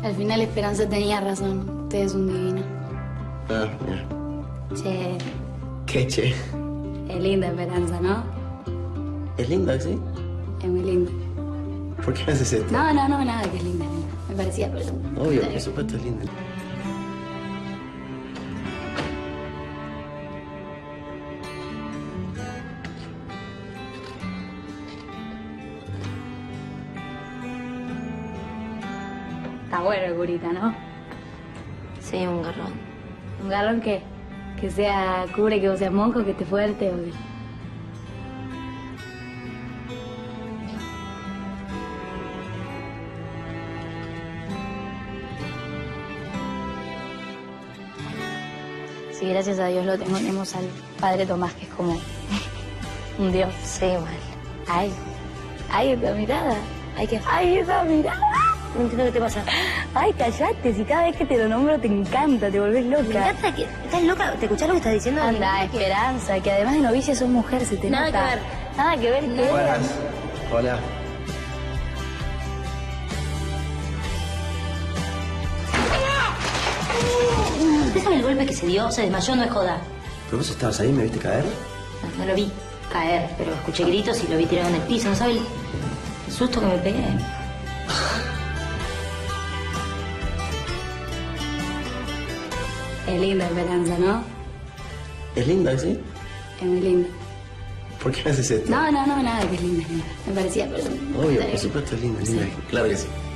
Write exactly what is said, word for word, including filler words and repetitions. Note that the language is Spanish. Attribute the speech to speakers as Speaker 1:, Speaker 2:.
Speaker 1: Al final Esperanza tenía razón. Usted es un divino.
Speaker 2: Ah, mira.
Speaker 1: Che,
Speaker 2: ¿Qué, che?
Speaker 1: es linda Esperanza, ¿no?
Speaker 2: ¿Es linda, sí?
Speaker 1: Es muy linda.
Speaker 2: ¿Por qué me haces esto?
Speaker 1: No, no, no, nada que es linda, linda. Me parecía, pero...
Speaker 2: Obvio, por supuesto es linda.
Speaker 1: Está bueno el curita, ¿no?
Speaker 3: Sí, un garrón.
Speaker 1: ¿Un garrón qué? Que sea cubre, que vos seas monjo, que esté fuerte o qué. Sí, gracias a Dios lo tengo. Tenemos al padre Tomás, que es como un dios.
Speaker 3: Sí, mal.
Speaker 1: Ay, ay, esa mirada. Ay, que... ay, esa mirada.
Speaker 3: No entiendo qué te pasa.
Speaker 1: Ay, callate, si cada vez que te lo nombro te encanta, te volvés
Speaker 3: Me
Speaker 1: loca.
Speaker 3: encanta que... ¿Estás loca? ¿Te escuchás lo que estás diciendo?
Speaker 1: Anda, Esperanza, que además de novicia sos mujer, se te
Speaker 3: Nada
Speaker 1: nota.
Speaker 3: que ver.
Speaker 1: Nada que ver, ¿qué?
Speaker 2: Buenas. Hola.
Speaker 3: ¿Usted sabe el golpe que se dio? Se desmayó, no es joda.
Speaker 2: ¿Pero vos estabas ahí y me viste caer?
Speaker 3: No, no lo vi caer, pero escuché gritos y lo vi tirado en el piso. ¿No sabe el, el susto que me pegué?
Speaker 1: Es linda Esperanza, ¿no?
Speaker 2: ¿Es linda, sí?
Speaker 1: Es muy linda.
Speaker 2: ¿Por qué me haces esto?
Speaker 1: No, no, no, nada que es linda, linda. Me parecía, pero...
Speaker 2: Obvio, por supuesto es linda, linda. Claro que sí.